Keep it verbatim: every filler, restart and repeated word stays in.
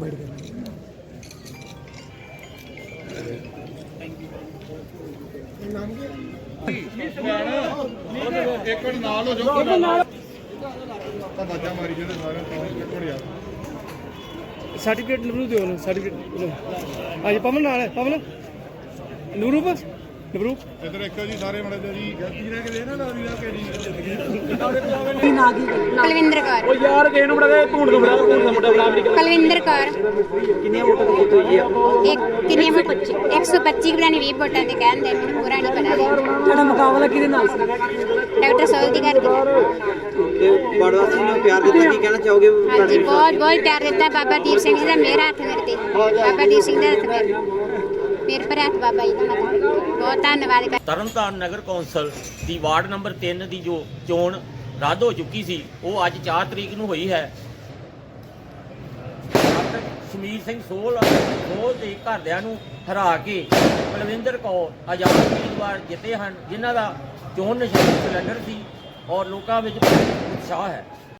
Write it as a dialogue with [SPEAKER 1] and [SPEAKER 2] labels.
[SPEAKER 1] Wait करना
[SPEAKER 2] ਇੱਕ minute ਨਾਲ ਹੋ ਜਾਓ ਤਾਂ ਬਾਜਾ ਮਾਰੀ ਜਿਹੜੇ ਸਾਰੇ ਤੋਂ ਇੱਕ ਮਿੰਟ ਯਾਰ
[SPEAKER 1] सर्टिफिकेट नबरू दो सर्टिफिकेट आज पवन नाल है पवन नूरूप नबरू
[SPEAKER 2] ਇਧਰ ਇੱਕੋ ਜੀ ਸਾਰੇ ਮੜੇ ਜੀ ਗਲਤੀ ਰਹਿ ਕੇ ਦੇ ਨਾ ਲਾਵੀ ਦਾ ਕਿਹੜੀ
[SPEAKER 3] ਕੁਲਵਿੰਦਰ ਕੌਰ
[SPEAKER 1] ओ यार ਕਿਸੇ ਨੂੰ ਬੜਾ ਦੇ ਭੂੰਡ ਤੋਂ ਬੜਾ ਭੂੰਡ ਦਾ ਮੁੰਡਾ ਬੜਾ ਅਮਰੀਕਾ
[SPEAKER 3] ਕੁਲਵਿੰਦਰ ਕੌਰ
[SPEAKER 1] ਕਿੰਨੀਆਂ ਵੋਟਾਂ ਤੇ ਜਿੱਤ ਹੋਈ ਹੈ
[SPEAKER 3] ਇੱਕ ਕਿੰਨੇ ਇੱਕ ਸੌ ਪੱਚੀ ਬਰਾਨੀ ਵੀਹ ਵੋਟਾਂ ਤੇ ਕਹਿੰਦੇ ਮੈਨੂੰ ਪੂਰਾ ਨਹੀਂ ਪਤਾ
[SPEAKER 1] ਤੁਹਾਡਾ ਮੁਕਾਬਲਾ ਕਿਹਦੇ ਨਾਲ ਸੀ
[SPEAKER 3] ਡਾਕਟਰ ਸੋਲ ਦੀ ਘਰ
[SPEAKER 4] ਤੇ ਬਾੜਵਾਸੀ ਨੂੰ ਪਿਆਰ ਦਿੱਤਾ ਕੀ ਕਹਿਣਾ ਚਾਹੋਗੇ
[SPEAKER 3] ਹਾਂਜੀ ਬਹੁਤ ਬਹੁਤ ਪਿਆਰ ਦਿੱਤਾ ਬਾਬਾ ਦੀਪ ਸਿੰਘ ਜੀ ਦਾ ਮੇਰਾ ਹੱਥ ਮੇਰੇ ਤੇ ਬਾਬਾ ਦੀਪ ਸਿੰਘ ਦਾ ਹੱਥ ਮੇਰੇ ਮੇਰੇ ਪਰ ਹੱਥ ਬਾਬਾ ਜੀ ਦਾ ਹੱਥ ਬਹੁਤ ਧੰਨਵਾਦ ਕਰ
[SPEAKER 5] ਤਰਨਤਾਰਨ ਨਗਰ ਕੌਂਸਲ ਦੀ ਵਾਰਡ ਨੰਬਰ ਤਿੰਨ ਦੀ ਜੋ ਚੋਣ ਰੱਦ ਹੋ ਚੁੱਕੀ ਸੀ ਉਹ ਅੱਜ ਚਾਰ ਤਰੀਕ ਨੂੰ ਹੋਈ ਹੈ। ਡਾਕਟਰ ਸ਼ਮੀਰ ਸਿੰਘ ਸੋਲ ਸੋਲ ਦੇ ਘਰਦਿਆਂ ਨੂੰ ਹਰਾ ਕੇ ਕੁਲਵਿੰਦਰ ਕੌਰ ਆਜ਼ਾਦ ਉਮੀਦਵਾਰ ਜਿੱਤੇ ਹਨ, ਜਿਨ੍ਹਾਂ ਦਾ ਚੋਣ ਨਿਸ਼ਾਨ ਸਿਲੰਡਰ ਸੀ ਔਰ ਲੋਕਾਂ ਵਿੱਚ ਉਤਸ਼ਾਹ ਹੈ।